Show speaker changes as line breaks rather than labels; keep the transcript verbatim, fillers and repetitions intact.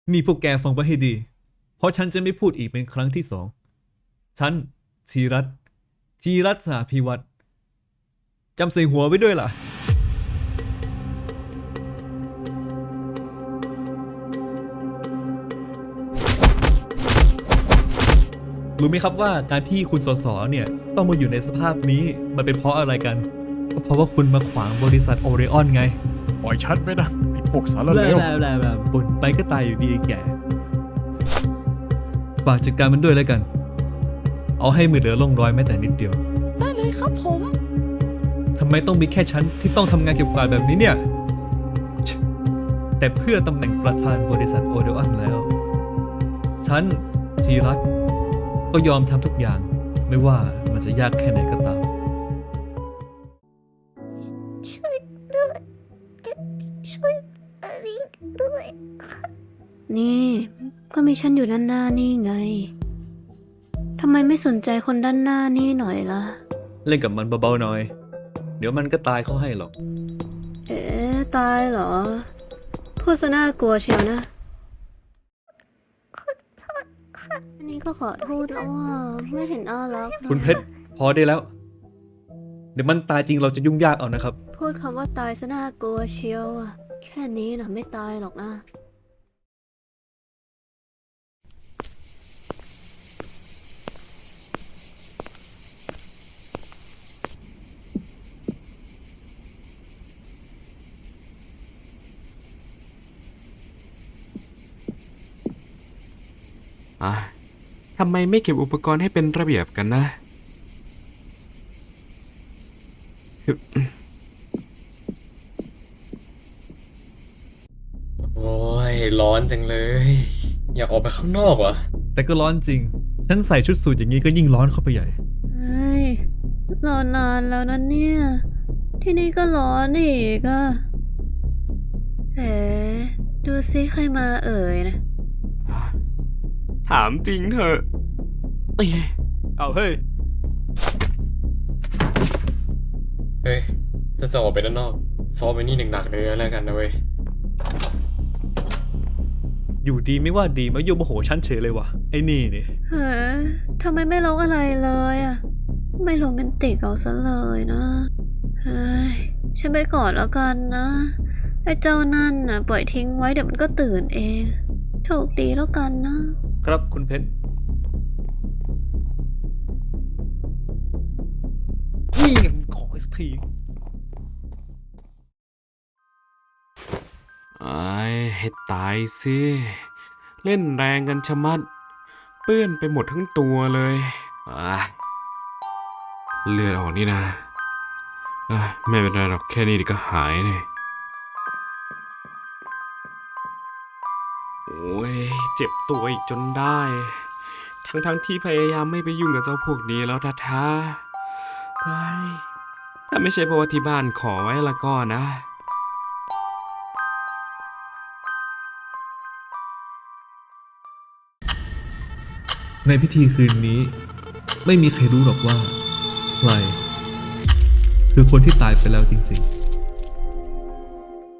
นี่พวกแกฟังไว้ให้ดีเพราะฉันจะไม่พูดอีกเป็นครั้งที่สองฉันธีรัตน์ธีรัตน์สหพิวัตรจำใส่หัวไว้ด้วยล่ะรู้ไหมครับว่าการที่คุณสสเนี่ยต้องมาอยู่ในสภาพนี้มันเป็นเพราะอะไรกันก็เพราะว่าคุณมาขวางบริษัทโอเรออนไง
ปล่อยชัดไปนะไอ้พวกสารเลว
แล้แบบบ่นไปก็ตายอยู่ดีไอ้แก่ฝากจัดการมันด้วยแล้วกันเอาให้มือเหลือล่องรอยแม้แต่นิดเดียว
ได้เลยครับผม
ทำไมต้องมีแค่ฉันที่ต้องทำงานเก็บกวาดแบบนี้เนี่ยแต่เพื่อตำแหน่งประธานบริษัทโอเดออนแล้วฉันธีรัตน์ก็ยอมทำทุกอย่างไม่ว่ามันจะยากแค่ไหนก็ตาม
ช่วยด้วยช่วยอลิงด้วย
นี่ก็มีฉันอยู่ด้านหน้านี่ไงทำไมไม่สนใจคนด้านหน้านี่หน่อยล่ะ
เล่นกับมันเบาๆหน่อยเดี๋ยวมันก็ตายเขาให้หรอก
เอ๊ะตายเหรอพูดซะน่ากลัวเชียวนะอันนี้ก็ขอโทษแล้วว่าไม่เห็นน่ารัก
คุณเพชรพอได้แล้วเดี๋ยวมันตายจริงเราจะยุ่งยากเอานะครับ
พูดคำว่าตายซะน่ากลัวเชียวอะแค่นี้นะไม่ตายหรอกนะ
อ่ะทำไมไม่เก็บอุปกรณ์ให้เป็นระเบียบกันนะ
โอ้ยร้อนจังเลย อยากออกไปข้างนอกวะ
แต่ก็ร้อนจริงฉันใส่ชุดสูทอย่างนี้ก็ยิ่งร้อนเข้าไปใหญ่
เฮ้ยรอนานแล้วนะเนี่ยที่นี่ก็ร้อนอีกอะเอ๋ดูซิใครมาเอ่ยนะ
ถามจริงเถอะเอ้ย
เอาเฮ้ย
เฮ้ยจะจะออกไปด้านนอกซ้อมไปนี่หนักๆเลยแล้วกันนะเว้ย
อยู่ดีไม่ว่าดีมาโยมโมโหฉันเฉยเลยวะไอ้นี่นี่
เฮ้ยทำไมไม่ร้องอะไรเลยอะไม่โรแมนติกเอาซะเลยนะเฮ้ยฉันไปก่อนแล้วกันนะไอ้เจ้านั่นน่ะปล่อยทิ้งไว้เดี๋ยวมันก็ตื่นเองโชคดีแล้วกันนะครับ
คุณเพชรนี่ไงขออีกที
ไอ้ให้ตายสิเล่นแรงกันชะมัดเปื้อนไปหมดทั้งตัวเลยอ่ะเลือดออกนี่นะอ่ะไม่เป็นไรหรอกแค่นี้เดี๋ยวก็หายเลยโอ้ยเจ็บตัวอีกจนได้ทั้งทั้งที่พยายามไม่ไปยุ่งกับเจ้าพวกนี้แล้วท้าๆเฮ้ยถ้าไม่ใช่เพราะว่าที่บ้านขอไว้ละก็นะ
ในพิธีคืนนี้ไม่มีใครรู้หรอกว่าใครคือคนที่ตายไปแล้วจริงๆ